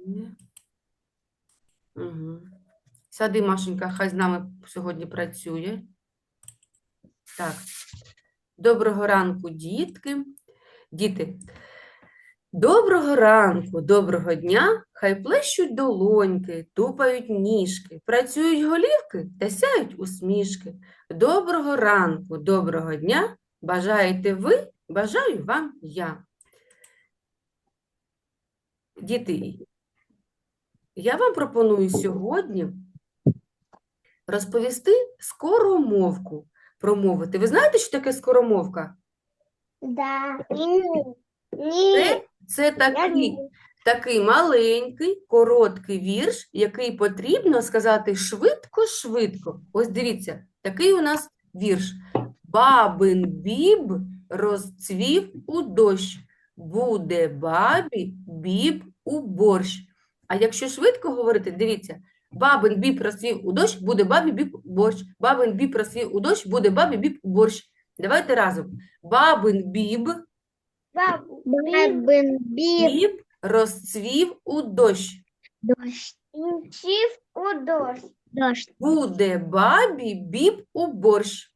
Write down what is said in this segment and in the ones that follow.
Ні. Угу. Сади, Машенька, хай з нами сьогодні працює. Так. Доброго ранку, дітки. Діти. Доброго ранку, доброго дня, хай плещуть долоньки, тупають ніжки, працюють голівки та сяють усмішки. Доброго ранку, доброго дня, бажаєте ви, бажаю вам я. Діти, я вам пропоную сьогодні розповісти скоромовку, промовити. Ви знаєте, що таке скоромовка? Да. Ні. Це такий маленький, короткий вірш, який потрібно сказати швидко-швидко. Ось дивіться, такий у нас вірш. Бабин біб розцвів у дощ, буде бабі біб у борщ. А якщо швидко говорити, дивіться, бабин біб розцвів у дощ, буде бабі біб у борщ. Бабин біб розцвів у дощ, буде бабі біб у борщ. Давайте разом. Бабин біб Бабин біб. Біб розцвів у дощ. Дощ. Сів у дощ. Дощ. Буде бабі біб у борщ.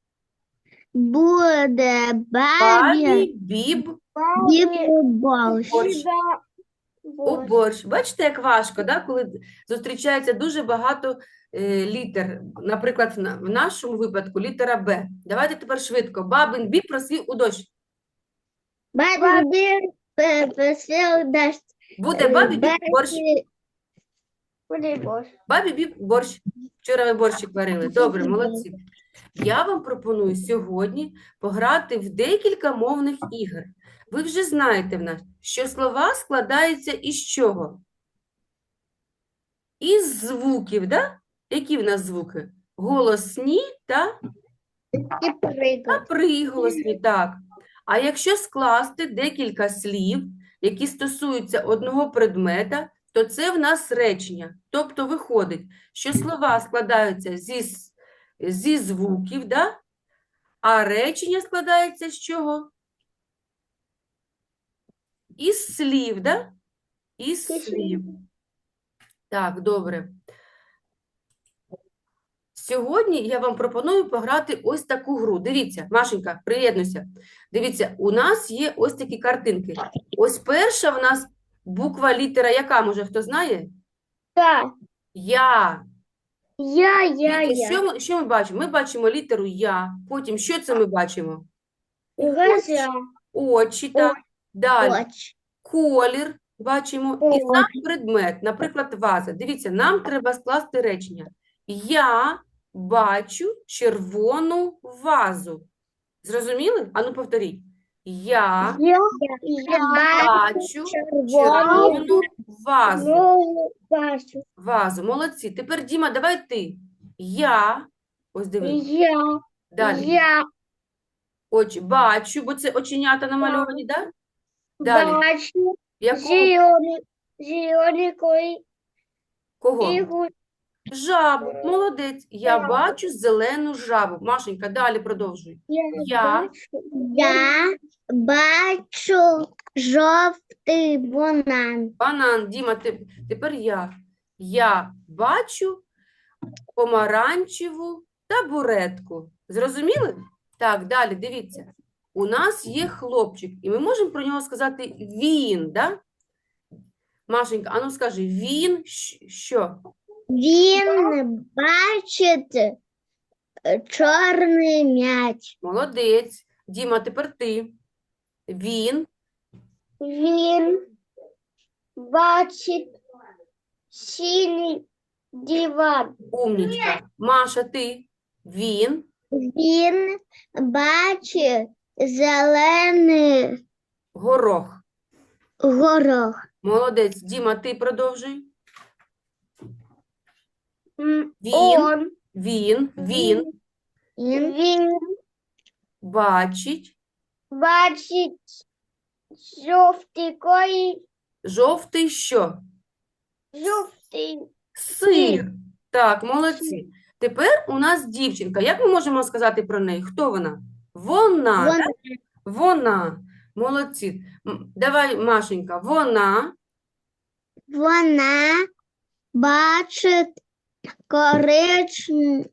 Буде Бабі біб біб у борщ. у борщ. Бачите, як важко, да? Коли зустрічається дуже багато літер. Наприклад, в нашому випадку літера Б. Давайте тепер швидко. Бабин біб розцвів у дощ. Бабин біб посів дощ. Буде бабі біб борщ. Буде борщ. Бабі біб борщ. Вчора ви борщик варили. Добре, молодці. Я вам пропоную сьогодні пограти в декілька мовних ігор. Ви вже знаєте в нас, що слова складаються із чого? Із звуків, да? Які в нас звуки? Голосні та І приклад. приголосні, так. А якщо скласти декілька слів, які стосуються одного предмета, то це в нас речення. Тобто виходить, що слова складаються зі звуків, да? А речення складається з чого? Із слів, да? Із слів. Так, добре. Сьогодні я вам пропоную пограти ось таку гру. Дивіться, Машенька, приєднуйся. Дивіться, у нас є ось такі картинки. Ось перша в нас буква, літера, яка, може, хто знає? Так. Я. Я. Дивіться, що ми бачимо? Ми бачимо літеру Я. Потім, що це ми бачимо? Газя. Очі, так. Далі. Оч. Колір бачимо і Колір. сам предмет, наприклад, ваза. Дивіться, нам треба скласти речення. Я бачу червону вазу. Зрозуміли? Ану, повторіть. Я бачу червону вазу. Вазу. Молодці. Тепер, Діма, давай ти. Я. Ось дивись. Далі. Я Очі. Бачу, бо це оченята намальовані, так? Далі. бачу Якого? зелений Кого? ігу. Жабу. Молодець. Я бачу зелену жабу. Машенька, далі продовжуй. Я бачу жовтий банан. Банан. Діма, тепер я. Я бачу помаранчеву табуретку. Зрозуміли? Так, далі, дивіться. У нас є хлопчик, і ми можемо про нього сказати він, да? Машенька, ану скажи, він що? Він бачить чорний м'яч. Молодець. Діма, тепер ти. Він Бачить синій диван. умнічка. Маша, ти. Він Бачить зелений горох. горох. Молодець. Діма, ти продовжуй. Він бачить жовтий що? Сир. Так, молодці. Тепер у нас дівчинка. Як ми можемо сказати про неї? Хто вона? Вона. Вона. Так? Вона. Молодці. Давай, Машенька. Вона Вона бачить коричневу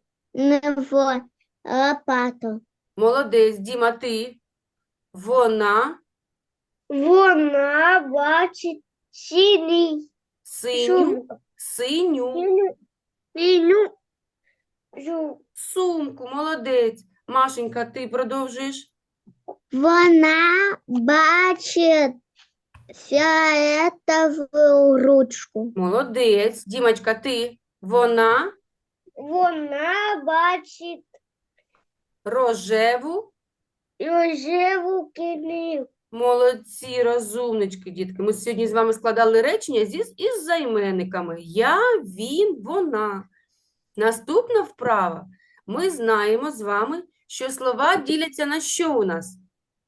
лопату. Молодець, Діма, ти. Вона Вона бачить синій синю, синю синю сумку. Молодець. Машенька, ти продовжуєш. Вона бачить фіолетову ручку. Молодець. Дімочка, ти. Вона Вона бачить рожеву. рожеву книгу. Молодці, розумнички, дітки. Ми сьогодні з вами складали речення із займенниками. Я, він, вона. Наступна вправа. Ми знаємо з вами, що слова діляться на що у нас?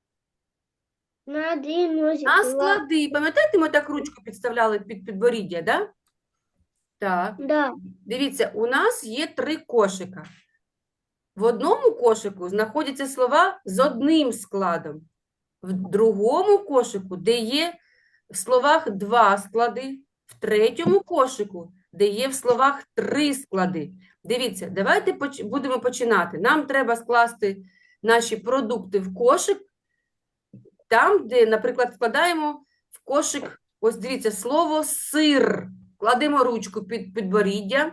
На один носик. На склади. Пам'ятаєте, ми так ручку підставляли під підборіддя, да? Так. Да. Дивіться, у нас є 3 кошика. В одному кошику знаходяться слова з одним складом. В другому кошику, де є в словах 2 склади. В третьому кошику, де є в словах 3 склади. Дивіться, давайте будемо починати. Нам треба скласти наші продукти в кошик. Там, де, наприклад, складаємо в кошик, ось дивіться, слово сир. Кладемо ручку під підборіддя.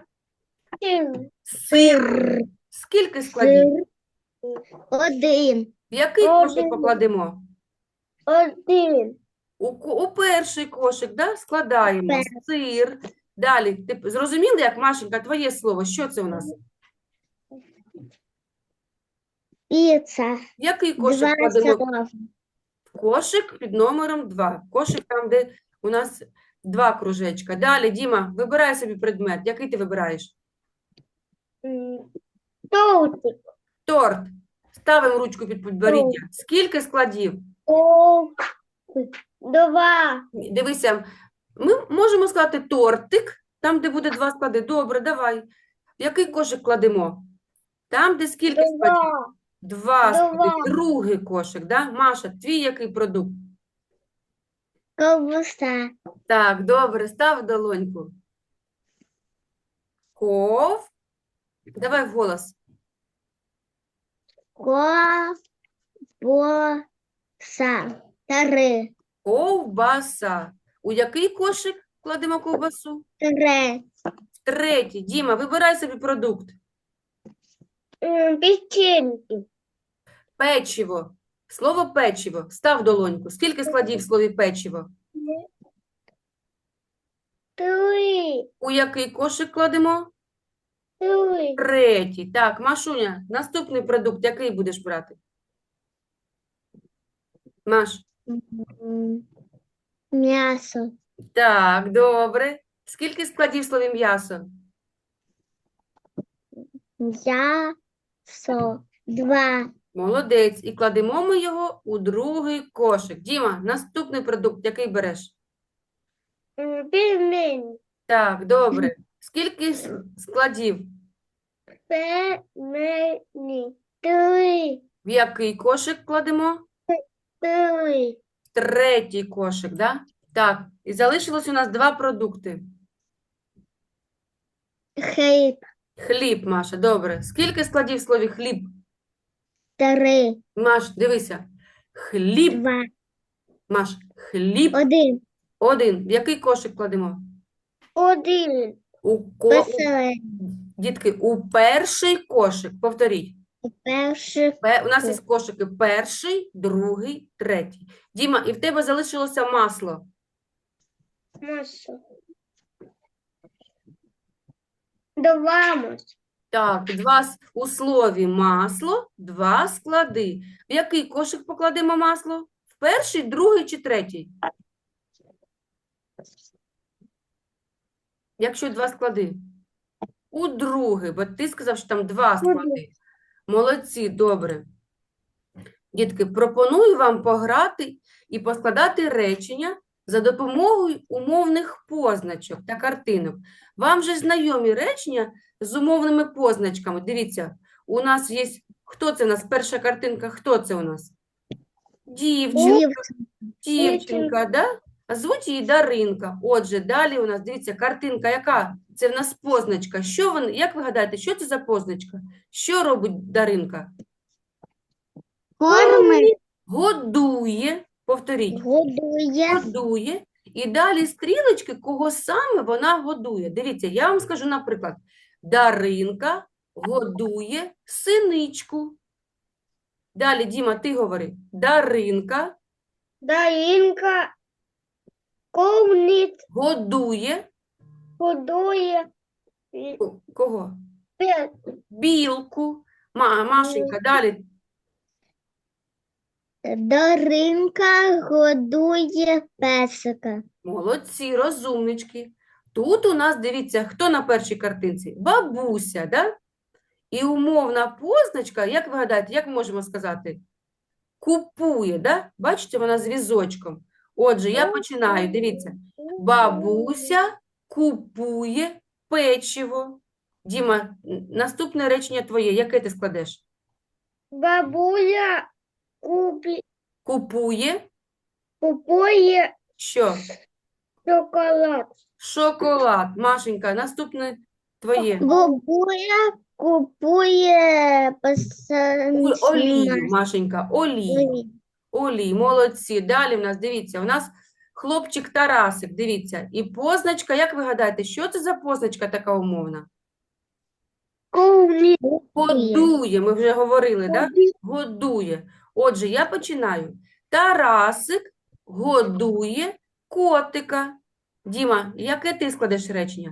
Сир. Скільки складів? Один. В який кошик Один. покладемо? Один. У перший кошик, да? Складаємо Перший. сир. Далі, ти зрозуміли, як, Машенька, твоє слово? Що це у нас? Піца. В який кошик Два кладемо? слова. Кошик під номером 2. Кошик там, де у нас 2 кружечка. Далі, Діма, вибирай собі предмет. Який ти вибираєш? Тортик. Торт. Ставимо ручку під підборіддя. Скільки складів? Два. Дивися, ми можемо сказати тортик, там, де буде 2 склади. Добре, давай. В який кошик кладемо? Там, де скільки складів? Два. 2 склади. Два. Другий кошик, да? Маша, твій який продукт? Ковбаса. Так, добре, став долоньку. Давай вголос. Ковбаса. Три. Ковбаса. У який кошик кладемо ковбасу? Три. В третій. Діма, вибирай собі продукт. Печеньки. Печиво. Слово печиво. Став долоньку. Скільки складів в слові печиво? Три. У який кошик кладемо? Три. Третій. Так, Машуня, наступний продукт який будеш брати? Маш. М'ясо. Так, добре. Скільки складів в слові м'ясо? М'ясо. Два. Молодець. І кладемо ми його у другий кошик. Діма, наступний продукт який береш? Пельмені. Так, добре. Скільки складів? Пельмені. Три. В який кошик кладемо? Три. В третій кошик, да? Так, і залишилось у нас 2 продукти. Хліб. Хліб, Маша, добре. Скільки складів в слові хліб? Три. Маш, дивися. Хліб, Два. Маш, хліб. Один. Один. В який кошик кладемо? Один. Посередині. Дітки, у перший кошик. Повторіть. Перший. У нас є кошики перший, другий, третій. Діма, і в тебе залишилося масло. Масло. Два масла. Так, у слові масло, 2 склади. В який кошик покладемо масло? В перший, другий чи третій? Якщо 2 склади. У другий, бо ти сказав, що там 2 склади. Молодці, добре. Дітки, пропоную вам пограти і поскладати речення за допомогою умовних позначок та картинок. Вам же знайомі речення з умовними позначками. Дивіться, у нас є, хто це у нас? Перша картинка, хто це у нас? Дівчинка, да? А звуть її Даринка. Отже, далі у нас, дивіться, картинка яка? Це в нас позначка. Як ви гадаєте, що це за позначка? Що робить Даринка? Кормить. Годує. Повторіть. Годує. Годує. І далі стрілочки, кого саме вона годує. Дивіться, я вам скажу, наприклад, Даринка годує синичку. Далі, Діма, ти говори. Даринка Даринка кормить. годує Годує. кого? Пет. Білку. Машенька, далі. Даринка годує песика. Молодці, розумнички. Тут у нас, дивіться, хто на першій картинці? Бабуся, да? І умовна позначка, як ви гадаєте, як ми можемо сказати? Купує, да? Бачите, вона з візочком. Отже, я починаю, дивіться. Бабуся купує печиво. Діма, наступне речення твоє, яке ти складеш? Бабуля Купує купує що? шоколад. Шоколад. Машенька, наступне твоє. Бабуля купує Олію, Машенька, олію. Олій, молодці. Далі в нас, дивіться, у нас хлопчик Тарасик, дивіться. І позначка, як ви гадаєте, що це за позначка така умовна? Годує, ми вже говорили, так? Годує. Отже, я починаю. Тарасик годує котика. Діма, яке ти складеш речення?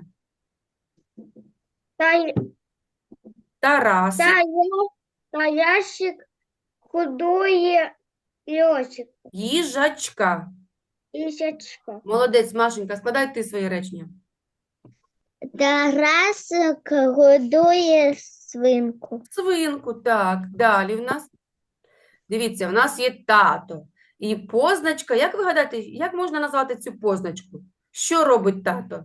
Тарасик Тарасик годує льосик. їжачка. Лисячка. Молодець, Машенька, складай ти своє речення. Тарасик годує свинку. Свинку, так. Далі в нас. Дивіться, в нас є тато. І позначка, як ви гадаєте, як можна назвати цю позначку? Що робить тато?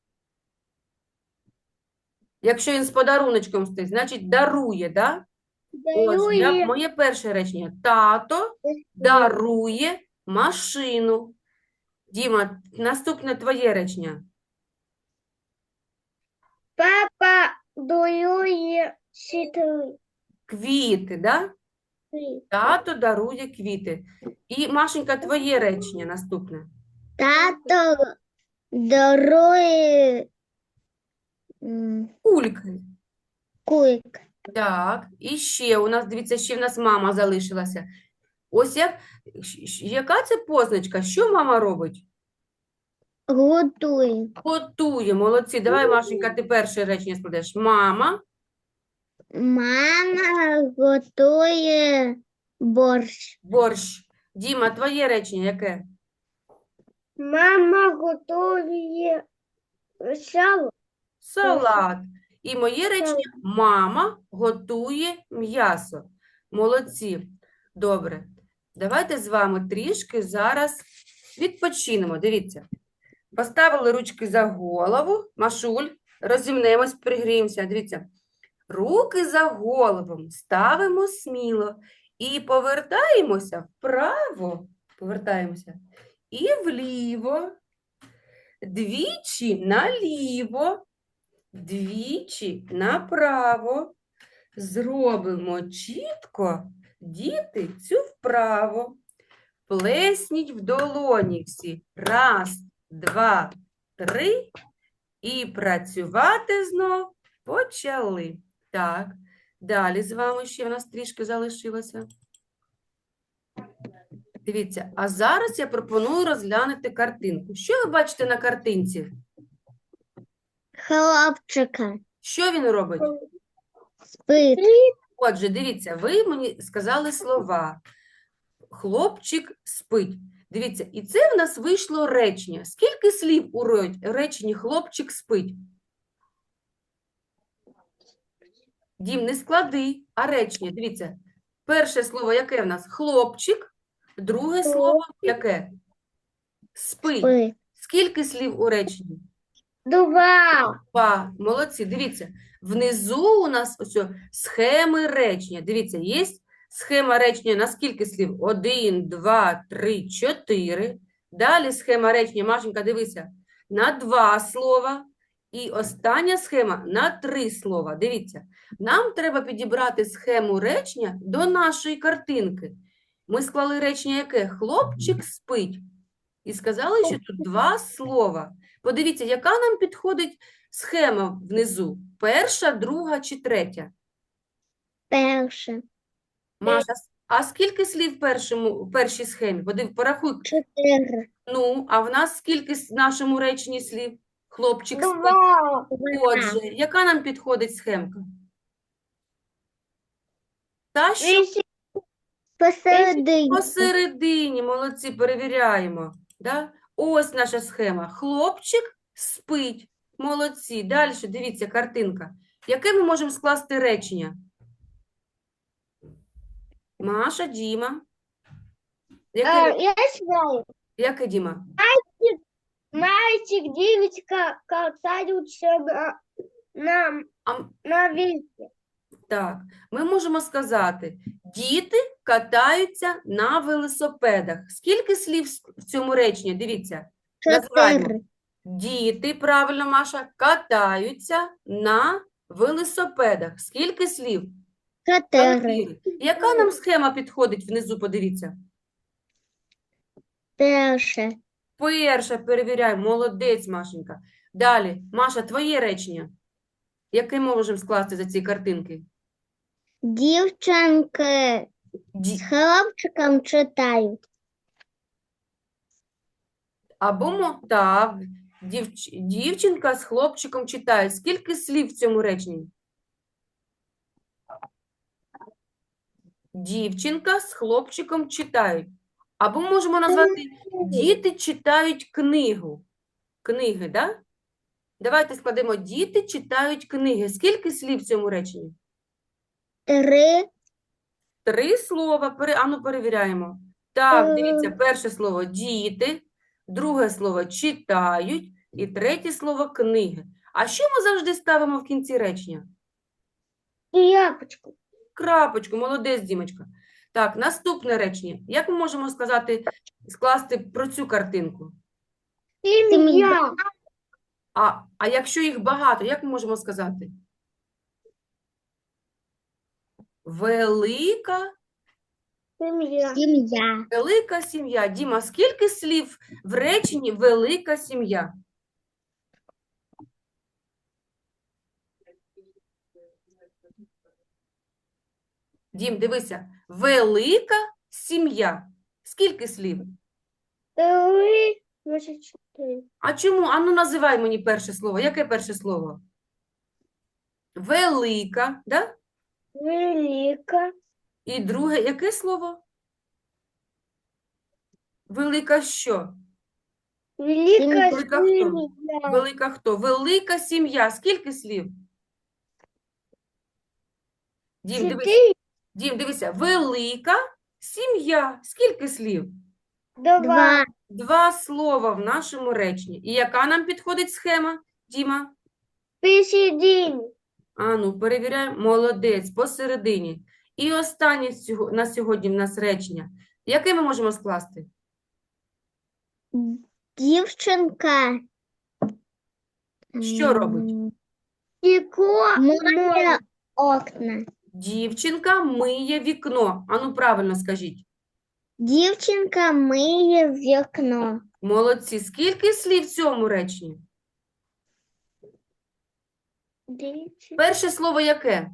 Якщо він з подаруночком стоїть, значить дарує, да? Ось, моє перше речення. Тато дарує машину. Діма, наступне твоє речення. Папа дарує Квіти, да? Тато дарує квіти. І, Машенька, твоє речення наступне. Тато дарує Кульки. кульк. Так, і ще у нас, дивіться, ще в нас мама залишилася. Ось яка це позначка? Що мама робить? Готує. Готує, молодці. Давай, Машенька, ти перше речення складеш. Мама Мама готує борщ. борщ. Діма, твоє речення яке? Мама готує сало. Салат. І моє речення – мама готує м'ясо. Молодці. Добре. Давайте з вами трішки зараз відпочинемо. Дивіться. Поставили ручки за голову. Машуль, розімнемось, пригріємося. Дивіться. Руки за голову ставимо сміло і повертаємося вправо. Повертаємося. І вліво. Двічі наліво. Двічі направо. Зробимо чітко, діти, цю вправо. Плесніть в долоні всі. Раз, два, три. І працювати знов почали. Так, далі з вами ще в нас трішки залишилося. Дивіться, а зараз я пропоную розглянути картинку. Що ви бачите на картинці? Хлопчика. Що він робить? Спить. Отже, дивіться, ви мені сказали слова. Хлопчик спить. Дивіться, і це в нас вийшло речення. Скільки слів у реченні хлопчик спить? Дім, не склади, а речення. Дивіться, перше слово яке в нас? Хлопчик. Друге слово яке? Спить. Спить. Скільки слів у реченні? Два. Два. Молодці. Дивіться, внизу у нас ось схеми речення. Дивіться, є схема речення на скільки слів? 1, 2, 3, 4. Далі схема речення. Машенька, дивися. На 2 слова. І остання схема на 3 слова. Дивіться. Нам треба підібрати схему речення до нашої картинки. Ми склали речення яке? Хлопчик спить. І сказали, що тут 2 слова. Подивіться, яка нам підходить схема внизу? Перша, друга чи третя? Перше. Маша, а скільки слів в першій схемі? Порахуй. 4. Ну, а в нас скільки в нашому реченні слів? Хлопчик спить. 2. Отже, яка нам підходить схемка? Та, що Посередині. посередині, молодці, перевіряємо. Да? Ось наша схема. Хлопчик спить. Молодці. Далі, дивіться, картинка. Яке ми можемо скласти речення? Маша, Діма. Я знаю. Яке, Діма? Мальчик, девочка катаются на, А, на велике. так, ми можемо сказати, діти катаються на велосипедах. Скільки слів в цьому реченні? Дивіться, називаємо. 4. Діти, правильно, Маша, катаються на велосипедах. Скільки слів? 4. 4. Яка нам схема підходить внизу, подивіться? Перше. Перша, перевіряємо, молодець, Машенька. Далі, Маша, твоє речення. Яке ми можемо скласти за ці картинки? Дівчинки з хлопчиком читають. Або, так, дівчинка з хлопчиком читає. Скільки слів в цьому реченні? Дівчинка з хлопчиком читають. Або можемо назвати діти читають книгу. Книги, да? Давайте складемо діти читають книги. Скільки слів в цьому реченні? 3. 3 слова. Ану, перевіряємо. Так, дивіться, перше слово діти, друге слово читають і третє слово книги. А що ми завжди ставимо в кінці речення? Япочку. Крапочку, молодець, Дімочка. Так, наступне речення. Як ми можемо скласти про цю картинку? Сім'я. А якщо їх багато, як ми можемо сказати? Велика Сім'я. сім'я. Діма, скільки слів в реченні велика сім'я? Дім, дивися. Велика сім'я. Скільки слів? 3. 4. А чому? Ану, називай мені перше слово. Яке перше слово? Велика, да? Велика. І друге, яке слово? Велика що? Велика Велика хто? сім'я. Велика хто? Велика сім'я. Скільки слів? Дім, дивися. 4. Дім, дивися. Велика сім'я. Скільки слів? 2. 2 слова в нашому реченні. І яка нам підходить схема, Діма? Посередині. Ану, перевіряємо. Молодець, посередині. І останнє на сьогодні в нас речення. Яке ми можемо скласти? Дівчинка. Що робить? Миє окна. Дівчинка миє вікно. Ану, правильно скажіть. Дівчинка миє вікно. Молодці. Скільки слів в цьому реченні? Перше слово яке?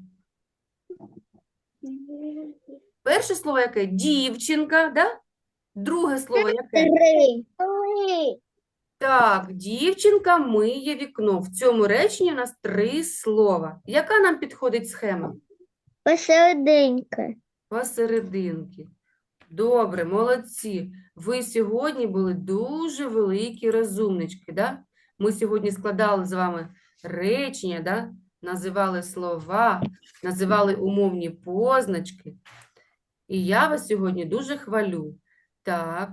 Перше слово яке? Дівчинка, да? Друге слово яке? 3. Так, дівчинка миє вікно. В цьому реченні у нас 3 слова. Яка нам підходить схема? Посерединки. Посерединки. Добре, молодці. Ви сьогодні були дуже великі розумнички, да? Ми сьогодні складали з вами речення, да? Називали слова, називали умовні позначки. І я вас сьогодні дуже хвалю. Так,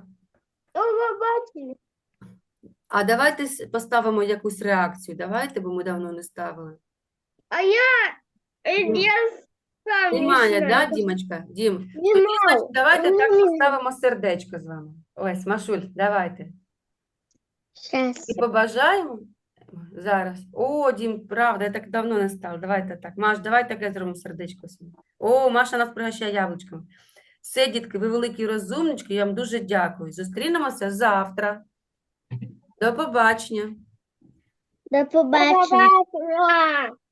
а давайте поставимо якусь реакцію. Давайте, бо ми давно не ставили. А я Немає, да, Дімочка? Дім, тоді, значить, давайте так поставимо сердечко з вами. Ось, Машуль, давайте. Сейчас. І побажаємо зараз. О, Дім, правда, я так давно не стала. Давайте так. Маш, давай таке зробимо сердечко собі. О, Маша нас пригощає яблучками. Все, дітки, ви великі розумнички, я вам дуже дякую. Зустрінемося завтра. До побачення. До побачення.